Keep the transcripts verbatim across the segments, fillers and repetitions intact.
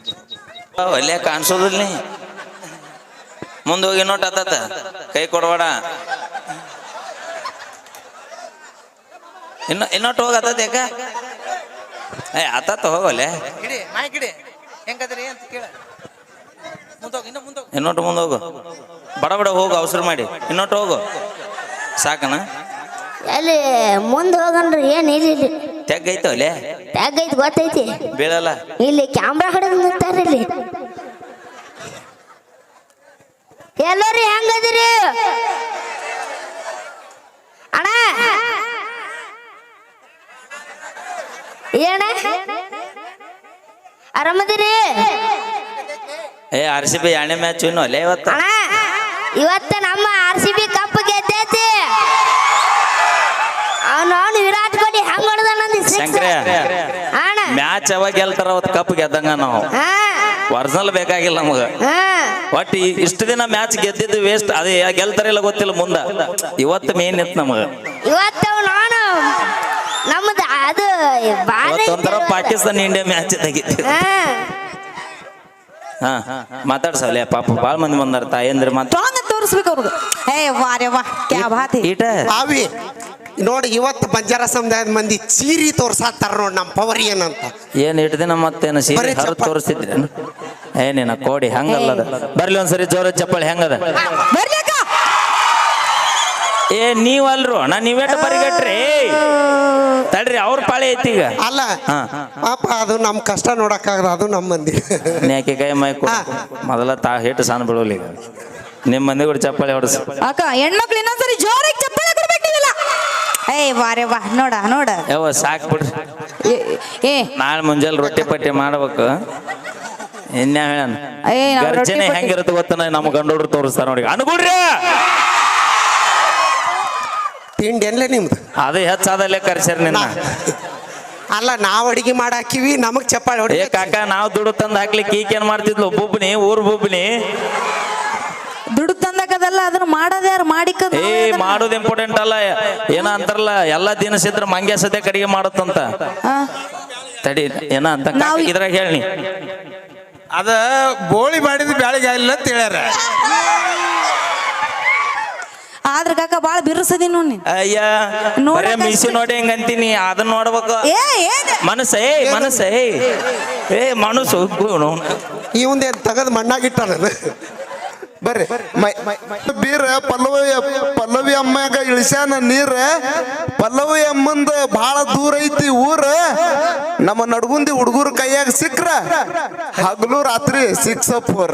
ಅಲ್ಲೇ ಕಾಣಿಸೋದಿಲ್ಲ ನೀ ಮುಂದೆ ಹೋಗಿ ನೋಟ್ ಆತ ಕೈ ಕೊಡಬೇಡ ಇನ್ನ ಇನ್ನೊಟ್ಟು ಹೋಗತ್ತ ಯಾಕ ಏ ಆತ ಹೋಗಲ್ಲೇ ಇನ್ನೊಟ್ಟು ಮುಂದೆ ಹೋಗು ಬಡ ಬಡ ಹೋಗು ಅವಸರ ಮಾಡಿ ಇನ್ನೊಟ್ಟು ಹೋಗು ಸಾಕನ ಅಲ್ಲಿ ಮುಂದೆ ಹೋಗನ್ರಿ ಏನ್ ಇಲ್ಲಿ ತೆಗ್ಗೈತೋ ಅಲ್ಲೇ ತೆಗ್ಗೈತಿ ಗೊತ್ತೈತಿ ಬೀಳಲ್ಲ ಇಲ್ಲಿ ಕ್ಯಾಮ್ರಾ ಹಿಡಿದು ನಿಂತಾರ ಇಲ್ಲಿ ಎಲ್ಲರೂ ಹೆಂಗದಿರಿ ಅಣ್ಣ ಏನ ಆರಾಮದಿರಿ ಏ ಆರ್ ಸಿ ಬಿ ಎರಡನೇ ಮ್ಯಾಚ್ ಇನ್ನು ಅಲ್ಲೇ ಇವತ್ತ ಅಣ್ಣ ಇವತ್ತ ನಮ್ಮ ಆರ್ ಸಿ ಬಿ ಕಪ್ ಗೆದ್ದೈತಿ ಅವನು ವಿರಾಟ್ ಕೊಹ್ಲಿ ಹೆಂಗ್ ಹೊಡೆದ ಶಂಕರೇ ಮ್ಯಾಚ್ ಯಾವಾಗ ಗೆಲ್ತಾರ ಅವತ್ತು ಕಪ್ ಗೆದ್ದಂಗ ನಾವು ಒರಿಜಿನಲ್ ಬೇಕಾಗಿಲ್ಲ ನಮಗ ಒಟ್ಟು ಇಷ್ಟು ದಿನ ಮ್ಯಾಚ್ ಗೆದ್ದಿದ್ದು ವೇಸ್ಟ್ ಅದೇ ಗೆಲ್ತಾರಿಲ್ಲ ಗೊತ್ತಿಲ್ಲ ಮುಂದ ಇವತ್ತು ಮೇನ್ ಇತ್ತು ನಮಗ ಇವತ್ತು ನಾನು ನಮ್ದು ಅದು ಒಂಥರ ಪಾಕಿಸ್ತಾನ ಇಂಡಿಯಾ ಮ್ಯಾಚ್ ತೆಗಿತ್ತು ಹಾ ಮಾತಾಡ್ಸಲ್ಲ ಪಾಪ ಬಾಳ ಮಂದಿ ಬಂದಾರ ತಾಯಂದ್ರ ಮಾತು ತೋರಿಸ್ಬೇಕು ಅವ್ರಿಗೆ ಏ ವಾರೆ ವಾ ಕ್ಯಾ ಬಾತ್ ಹೈ ಈಟ ಅವಿ ನೋಡಿ ಇವತ್ತು ಬಂಜಾರ ಸಮುದಾಯದ ಮಂದಿ ಚೀರಿ ತೋರ್ಸಾತಾರ ನೋಡಿ ನಮ್ಮ ಪವರ್ ಏನಂತ ಏನ್ ಇಟ್ಟು ದಿನ ಮತ್ತೇನು ಸೀರೆ ಹರ ತೋರಿಸ್ತಿದ್ರೇನು ಏನೇನ ಕೋಡಿ ಹಂಗಲ್ಲದ ಬರ್ಲಿ ಒಂದ್ಸರಿ ಜೋರ ಚಪ್ಪಳಿ ಹೆಂಗದ ಏ ನೀವಲ್ರು ಅಣ್ಣ ನೀವೇಟ ಬರಿಗಟ್ರಿ ತಡ್ರಿ ಅವ್ರ ಪಾಳೆ ಐತಿ ಈಗ ಅಲ್ಲ ಪಾಪ ಅದು ನಮ್ ಕಷ್ಟ ನೋಡಕ್ಕಾಗದ ಅದು ನಮ್ಮ ಮಂದಿ ನ್ಯಾಕೆ ಕೈ ಮೈ ಮೊದಲ ತಾ ಹಿಟ್ಟು ಸಣ್ಣ ಬಿಡೋಲಿ ಈಗ ನಿಮ್ ಮಂದಿ ಕೂಡ ಚಪ್ಪಳಿ ಹೊಡ್ಸ ಅಕ್ಕ ಹೆಣ್ಮಕ್ಳು ಇನ್ನೊಂದ್ಸರಿ ಜೋರಾಗಿ ಚಪ್ಪಾಳೆ ಕೊಡ್ಬೇಕು ನೀವೆಲ್ಲ ಏ ವಾರೆ ವಾ ನೋಡ ನೋಡ ಯಾವ ಸಾಕ್ ಬಿಡ್ರಿ ಏ ನಾಳೆ ಮುಂಜಾನೆ ರೊಟ್ಟಿ ಪಟ್ಟಿ ಮಾಡ್ಬೇಕು ಇನ್ಯಾ ಹೇಳನ್ ಏ ಗರ್ಜನೆ ಹೆಂಗಿರುತ್ತೆ ಗೊತ್ತ ನಮ್ಮ ಗಂಡೋಡ್ರು ತೋರಿಸ್ತಾರ ನೋಡಿ ಅನ್ಕೊಡ್ರಿ ತಿಂಡಿ ಎಲ್ಲ ನಿಮ್ದು ಅದು ಹೆಚ್ಚಾದಲ್ಲೇ ಕರ್ಸ್ಯಾರ ನಿನ್ನ ಅಲ್ಲ ನಾವ್ ಅಡಿಗೆ ಮಾಡಾಕಿವಿ ನಮಗ್ ಚಪ್ಪಾಳೆ ಹೊಡಿ ಏ ಕಾಕ ನಾವ್ ದುಡ್ಡು ತಂದು ಹಾಕ್ಲಿಕ್ಕೆ ಈಕ ಏನ್ ಮಾಡ್ತಿದ್ಲು ಒಬ್ಬೊಬ್ಬನಿ ಊರ್ ಬೊಬ್ಬನಿ ದುಡ್ಡು ತಂದಕದಲ್ಲ ಅದನ್ನ ಮಾಡೋದು ಯಾರು ಮಾಡಿಕ ಏ ಮಾಡೋದು ಇಂಪಾರ್ಟೆಂಟ್ ಅಲ್ಲ ಏನ ಅಂತಾರಲ್ಲ ಎಲ್ಲಾ ದಿನಸಿದ್ರ ಮಂಗ್ಯ ಸದ್ಯ ಕಡಿಗೆ ಮಾಡತ್ತಂತ ತಡಿ ಏನ ಅಂತ ಇದ್ರಾಗ ಹೇಳಿ ಅದ ಬೋಳಿ ಮಾಡಿದ ಬ್ಯಾಳಿಗೆ ಆಗಿಲ್ಲ ಅಂತ ಹೇಳ್ಯಾರ ಆದ್ರ ಕಾಕ ಬಾಳ ಬಿರ್ಸದಿ ನೋಡಿ ಅಯ್ಯ ನೋಡ ಮೀಸಿ ನೋಡಿ ಹೆಂಗ ಅಂತೀನಿ ಅದನ್ನ ನೋಡ್ಬೇಕು ಮನಸ್ಸ ಏ ಮನಸ್ಸ ಏ ಏ ಮನಸ್ಸು ಇವಂದೇನ್ ತಗದ್ ಮಣ್ಣಾಗಿಟ್ಟಾನ ಬರ್ರಿ ಬೀರ ಪಲ್ಲವಿ ಪಲ್ಲವಿ ಅಮ್ಮಾಗ ಇಳಿಸ್ಯಾನ ನೀರ ಪಲ್ಲವಿ ಅಮ್ಮಂದ ಬಹಳ ದೂರ ಐತಿ ಊರ ನಮ್ಮ ನಡ್ಗುಂದಿ ಹುಡುಗರ ಕೈಯಾಗ ಸಿಕ್ರ ಹಗಲು ರಾತ್ರಿ ಸಿಕ್ಸ್ ಫೋರ್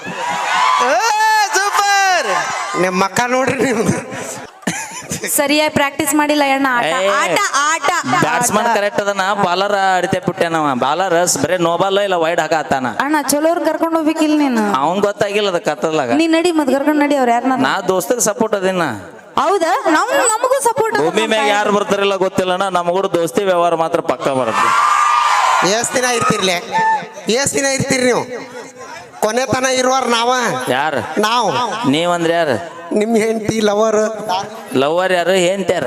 ಸೂಪರ್ ನಿಮ್ಮ ಮಕ್ಕ ನೋಡ್ರಿ ನೀವು ಸರಿಯಾಗಿ ಪ್ರಾಕ್ಟೀಸ್ ಮಾಡಿಲ್ಲ ಅಣ್ಣ ಆಟ ಆಟ ಬ್ಯಾಟ್ಸ್ಮನ್ ಕರೆಕ್ಟ್ ಅದನ್ನ ಬಾಲರ್ ಅಡಿತೆ ಬಿಟ್ಟೆನವ ಬಾಲರ್ ಬರೇ ನೋ ಬಾಲ್ ಇಲ್ಲ ವೈಡ್ ಹಾಕತ್ತಾನ ಅಣ್ಣ ಚಲೋರ್ ಕರ್ಕೊಂಡು ಹೋಗ್ಬೇಕಿಲ್ಲ ನೀನು ಅವನ್ ಗೊತ್ತಾಗಿಲ್ಲ ಅದ ಕತ್ತಲಾಗ ನೀ ನಡಿ ಮತ್ ಕರ್ಕೊಂಡು ನಡಿ ಅವ್ರ ಯಾರನ್ನ ನಾ ದೋಸ್ತಗ್ ಸಪೋರ್ಟ್ ಅದಿನ ಹೌದಾ ನಮ್ ನಮಗೂ ಸಪೋರ್ಟ್ ಭೂಮಿ ಮ್ಯಾಗ ಯಾರು ಬರ್ತಾರಿಲ್ಲ ಗೊತ್ತಿಲ್ಲಣ್ಣ ನಮಗೂ ದೋಸ್ತಿ ವ್ಯವಹಾರ ಮಾತ್ರ ಪಕ್ಕ ಬರುತ್ತೆ ಎಷ್ಟ್ ದಿನ ಇರ್ತಿರ್ಲಿ ಎಷ್ಟ್ ದಿನ ಇರ್ತೀರಿ ನೀವು ಕೊನೆ ತನ ಇರುವಾರ ನಾವ ಯಾರು ನಾವು ನೀವಂದ್ರೆ ಯಾರು ನಿಮ್ ಹೆಂಡತಿ ಲವರ್ ಲವರ್ ಯಾರು ಹೆಂಡ್ತ್ಯಾರ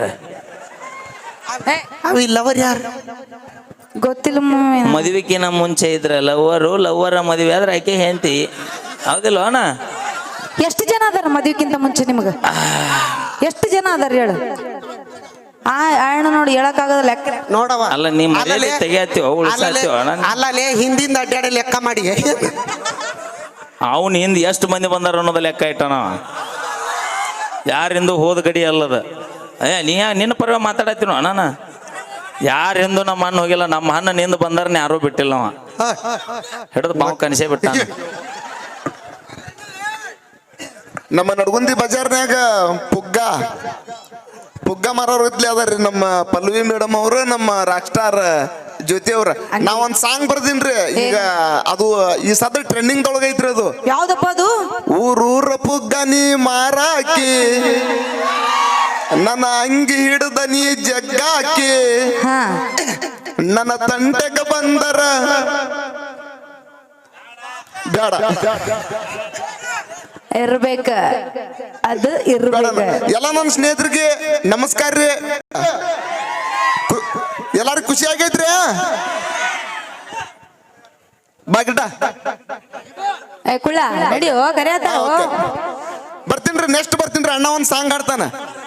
ಅವಿ ಲವರ್ ಯಾರು ಗೊತ್ತಿಲ್ಲ ಮದುವೆಕಿನ ಮುಂಚೆ ಇದ್ರ ಲವ್ವರು ಲವ್ವರ ಮದುವೆ ಆದ್ರೆ ಆಕೆ ಹೆಂಡತಿ ಹೌದಿಲ್ಲ ಅಣ್ಣ ಎಷ್ಟು ಜನ ಅದಾರ ಮದುವೆಕ್ಕಿಂತ ಮುಂಚೆ ನಿಮ್ಗ ಎಷ್ಟು ಜನ ಅದಾರ ಹೇಳು ಆ ಅಣ್ಣ ನೋಡಿ ಹೇಳಕ್ ಆಗದ ಲೆಕ್ಕ ನೋಡವ ಅಲ್ಲ ನೀ ಮನೇಲಿ ತೆಗಿಯತ್ತೀವ ಉಳಿಸಾತ್ತೀವ ಅಲ್ಲಲೇ ಹಿಂದಿಂದ ಅಡ್ಡಾಡಿ ಲೆಕ್ಕ ಮಾಡಿ ಅವನ್ ಹಿಂದ್ ಎಷ್ಟು ಮಂದಿ ಬಂದಾರ ಅನ್ನೋದ ಲೆಕ್ಕ ಇಟ್ಟಣ ಯಾರಿಂದು ಹೋದ ಗಡಿ ಅಲ್ಲದ ಏ ನೀ ನಿನ್ನ ಪರವಾಗಿ ಮಾತಾಡತ್ತೀನೋ ಅಣ್ಣ ಯಾರಿಂದು ನಮ್ಮ ಅಣ್ಣ ಹೋಗಿಲ್ಲ ನಮ್ಮ ಅಣ್ಣ ನಿಂದ ಬಂದಾರನ್ನ ಯಾರೂ ಬಿಟ್ಟಿಲ್ಲ ಅವ ಹಿಡಿದು ಬಾವು ಕನಸೇ ಬಿಟ್ಟ ನಮ್ಮ ನಡ್ಗುಂದಿ ಬಜಾರ್ನ್ಯಾಗ ಪುಗ್ಗ ಪುಗ್ಗ ಮಾರೋರು ಇದ್ಲಿ ಅದಾರ್ರಿ ನಮ್ಮ ಪಲ್ಲವಿ ಮೇಡಮ್ ಅವರು ನಮ್ಮ ರಾಕ್ ಸ್ಟಾರ್ ಜ್ಯೋತಿ ಅವ್ರ ನಾವೊಂದ್ ಸಾಂಗ್ ಬರ್ದಿನ್ರಿ ಈಗ ಅದು ಈ ಸದ ಟ್ರೆಂಡಿಂಗ್ ದೊಳಗ ಐತ್ರಿ ಅದು ಯಾವ್ದಪ್ಪ ಅದು ಊರೂರ ಪುಗ್ಗ ನೀ ಮಾರಾಕಿ ನನ್ನ ಅಂಗಿ ಹಿಡ್ದ ನೀ ಜಗ್ಗಾಕಿ ನನ್ನ ತಂಟೆಗ ಬಂದರ ಬೇಡ ಇರ್ಬೇಕ ಅದು ಇರ್ಬೇಕ ಎಲ್ಲ ನನ್ನ ಸ್ನೇಹಿತರಿಗೆ ನಮಸ್ಕಾರ ರೀ ಎಲ್ಲಾರು ಖುಷಿ ಆಗೈತ್ರಿ ಬಾಗಿಟ ಏ ಕುಳ್ಳ ನಡಿಯೋ ಕರೆಯತ್ತಾರ ಬರ್ತೀನ್ರಿ ನೆಕ್ಸ್ಟ್ ಬರ್ತೀನ್ರಿ ಅಣ್ಣ ಒಂದ್ ಸಾಂಗ್ ಹಾಡ್ತಾನ